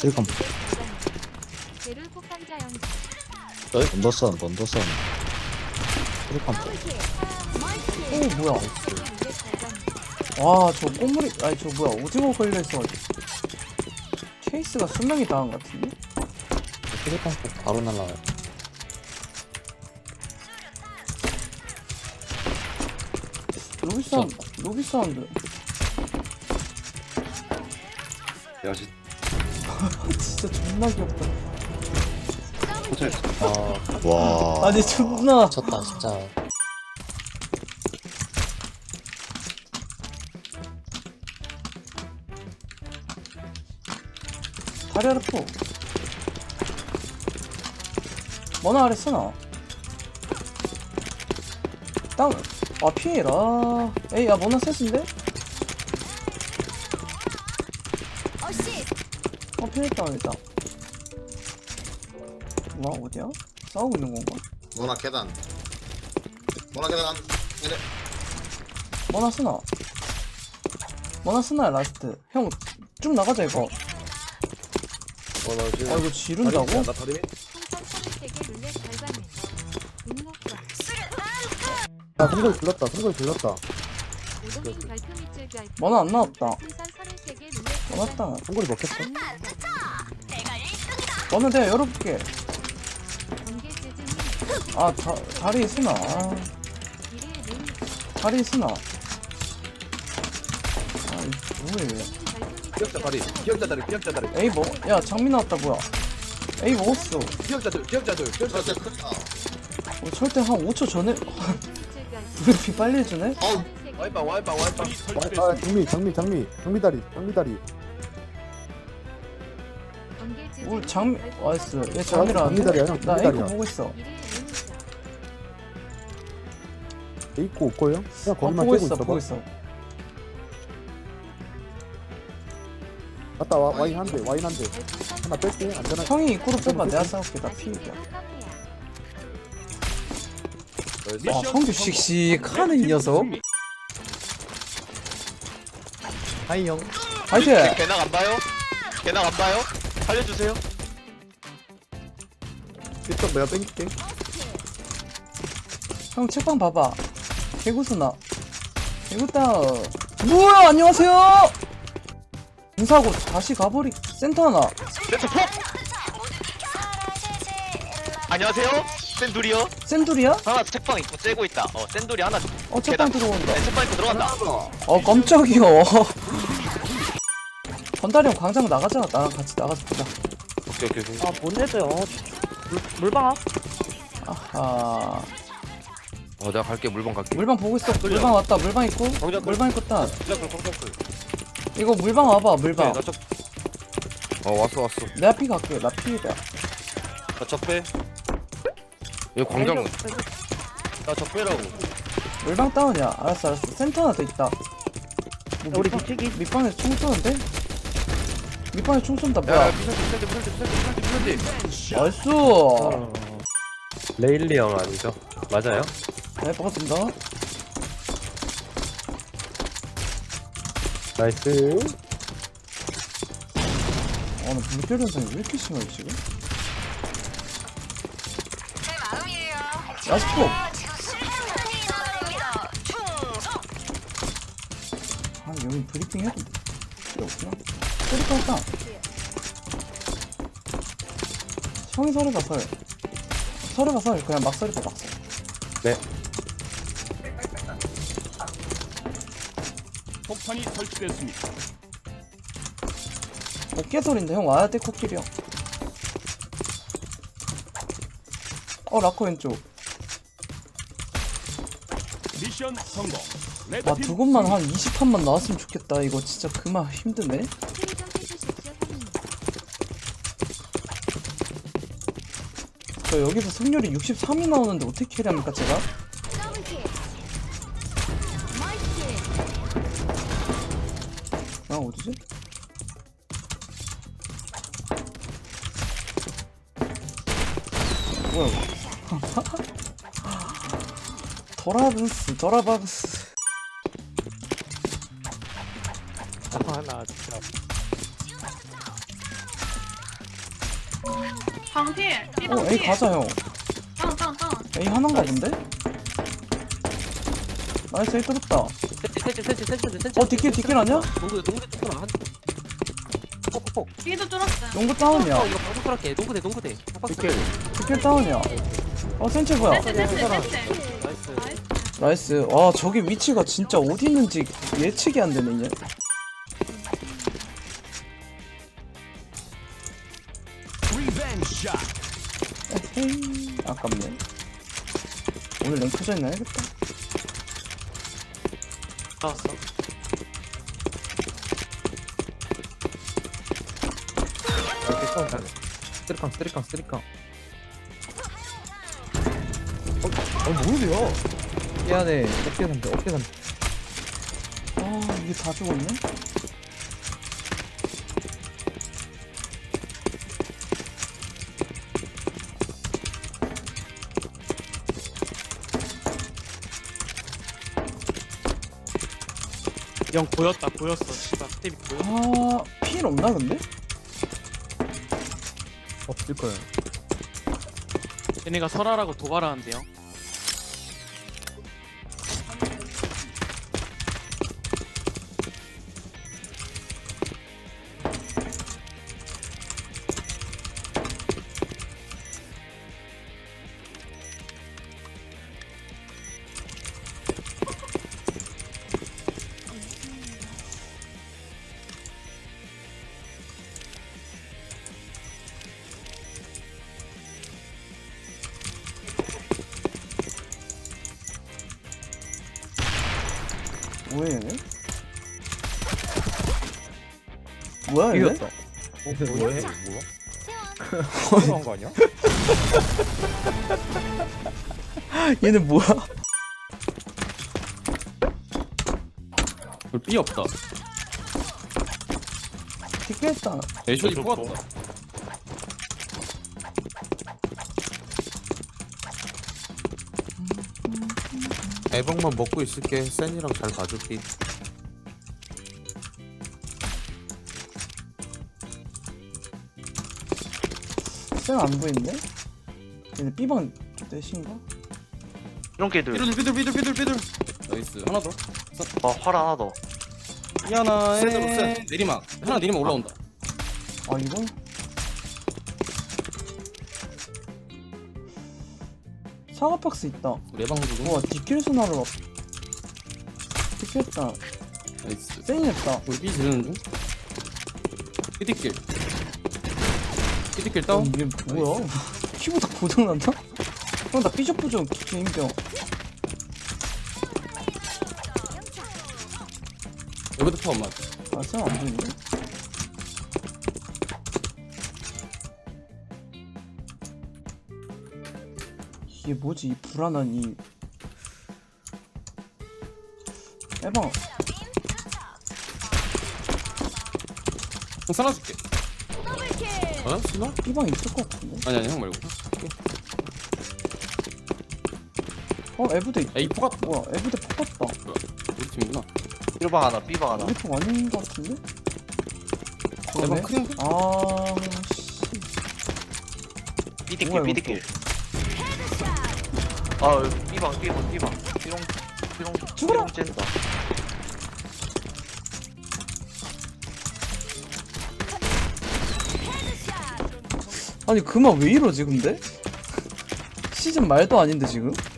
쓰리컴. 제를 폭탄자 연기. 언더선. 쓰리컴. 오 뭐야. 와 저 꼬물이 아니 저 뭐야 오징어 걸려있어. 케이스가 수명이 당한 것 같은데? 쓰리컴 바로 날라와요. 로비 사운드. 야, 씨. 진짜 존나 귀엽다. 와. 아니 존나. 미쳤다 진짜. 다리 아래 포. 뭐나 아래 쓰나? 땅. 아 피해라. 에이 야 뭐나 셋인데? 피했다 일단. 와 어디야? 싸우고 있는 건가? 모나 계단. 모나 계단. 얘네. 뭐나 쓰나? 뭐나 쓰나야 라스트. 형 쭉 나가자 이거. 모나 지금. 아 이거 지른다고? 나 다리미? 풍선 33개 룰렛 결과는 분노과 승골 불렀다. 오동인 별표 밑줄 별표. 뭐나 안 나왔다. 풍선 33개 룰렛 나왔다. 승골이 먹혔어. 뭐나 내가 열어볼게. 경계 지진이 아 다리 쓰나? 아, 미래의 눈. 다리 쓰나? 아 뭐해? 기억자 다리. 기억자 다리. 기억자 다리. 에이 뭐? 야 장미 나왔다 뭐야? 에이 먹었어. 기억자들. 기억자들. 기억자들. 크다. 철대 한 5초 전에 밑줄 별표. 브리핑 빨리 해주네? 어우. 와이빵. 장미 다리. 경계 지진. 우리 장미 와이스 얘 장미라 장미 다리야, 형. 나 장미 에이코 다리야. 보고 있어. 미래의 눈이죠. 에이코 올거요? 그냥 거기만 보고 떼고 있어 있어. 보고 있어. 갔다 와인 한 대. 하나 뺄게. 안전하게. 형이 입구로 빼봐 내가 싸울게 나 피해야. 아 성규 씩씩하네 이 녀석. 하이 형. 화이팅! 개낙 안 봐요? 개낙 안 봐요? 살려주세요. 삐쩍 내가 땡길게. 형 책방 봐봐. 개구스나. 개구다. 뭐야 안녕하세요. 공사하고 다시 가버리. 센터 하나. 센터 폭! 안녕하세요? 센둘이요? 센둘이야? 하나 책방 입고 째고 있다. 센둘이 하나. 책방 들어온다. 네, 책방 입고 들어간다. 깜짝이야. 건달이 형 광장 나가자. 나랑 같이 나가서 보자. 오케이. 아, 뭔 애들요? 물방아? 아하. 내가 갈게. 물방 갈게. 물방 보고 있어. 물방 왔다. 물방 있고. 정작 물방 있고 딱. 시작을 콩콩풀. 이거 물방 와봐. 물방. 나 적. 왔어. 내가 피 갈게. 나 피해다. 나 적배. 여기 광장. 나 적배라고. 물방 다운이야. 알았어. 센터 하나 더 있다. 뭐 우리 밑방- 뒤치기? 밑방에서 총 쏘는데? 밑방에서 총 쏜다. 야, 뭐야? 미션지. 나이스. 레일리 형 아니죠? 맞아요? 네, 반갑습니다. 나이스. 나 물결 현상이 왜 이렇게 심하지 지금? 라스포! 아 여기 브리핑 해도 필요 없구나. 브리핑 할까? 형이 서류봐 설 그냥 막 서류봐 막 설. 네. 폭탄이 설치됐습니다. 깨소리인데 형 와야 돼 코끼리 형. 라코 왼쪽. 미션 성공. 와 레드팀 두 곳만 한 20판만 나왔으면 좋겠다. 이거 진짜 그만 힘드네. 수리 좀 해주십시오. 형님. 저 여기서 승률이 63이 나오는데 어떻게 캐리합니까 제가? 아 어디지? 뭐야 이거. 도라박스 하나 진짜. 방필. A 삐방필. 가자 형. 땅. A 하나인가 본데? 나이스 A 뚫었다. 뒷길 아니야? 농구 뚫어 한 폭폭폭 B도 뚫었어요. 농구 다운이야. 이거 방구 뚫을게 농구대 뒷길 다운이야. 센치 뭐야? 센스. 나이스 나이스. 와 저기 위치가 진짜 어디 있는지 예측이 안 되네 이제. 리벤지 샷. 에헤이 아깝네. 오늘 랭크전 해야겠다. 나왔어. 이렇게 싸움 잘해. 쓰리깡. 뭐야? 미안해. 어깨 산대. 아 이게 다 죽었네? 형 보였어. 씨발 스텝이 보여. 아 필 없나 근데? 없을 거야. 얘네가 설하라고 도발하는데요. 뭐야 얘네? 뭐야 얘네? 이겼다. 뭐해? 뭐야? 거 아니야? 얘네 뭐야? 삐 없다 뒷겠다. 애쇼이 뽑았다 애방만 먹고 있을게. 센이랑 잘 봐줄게. 쌤안 보이는데? 얘네 B방 대신가? 이런 게들. 삐둘 나이스 하나 더 활 하나 더. 이 하나에 내리막 하나 내리막 올라온다 아 이거? 사과 박스 있다. 내방 해주고 우와 뒷길 순화로 뒷겠다. 나이스 쌩했다. 우리 삐 지르는 중 삐디길 다운 이게 뭐야? 키보드 고장난다? 형 나 삐져뿌져 개인병. 여기도 포 엄마 아 쌤안 보이는데? 이게 뭐지 이 불안한 이 해방. 형 살아줄게 어? 신호? B방 있을 것 같은데? 아니 형 말고 에브데 있... 에이 포가 뭐야 에브데 폭 같다. 우리 팀이구나 B방 하나, B방 하나. 우리 폭 아닌 것 같은데? 내방 그러네? 크림 아... B디길, 뭐야, B디길. 아, B방. 죽어라! 삐롱 쨘다. 아니 그만 왜 이러지 근데? 시즌 말도 아닌데 지금?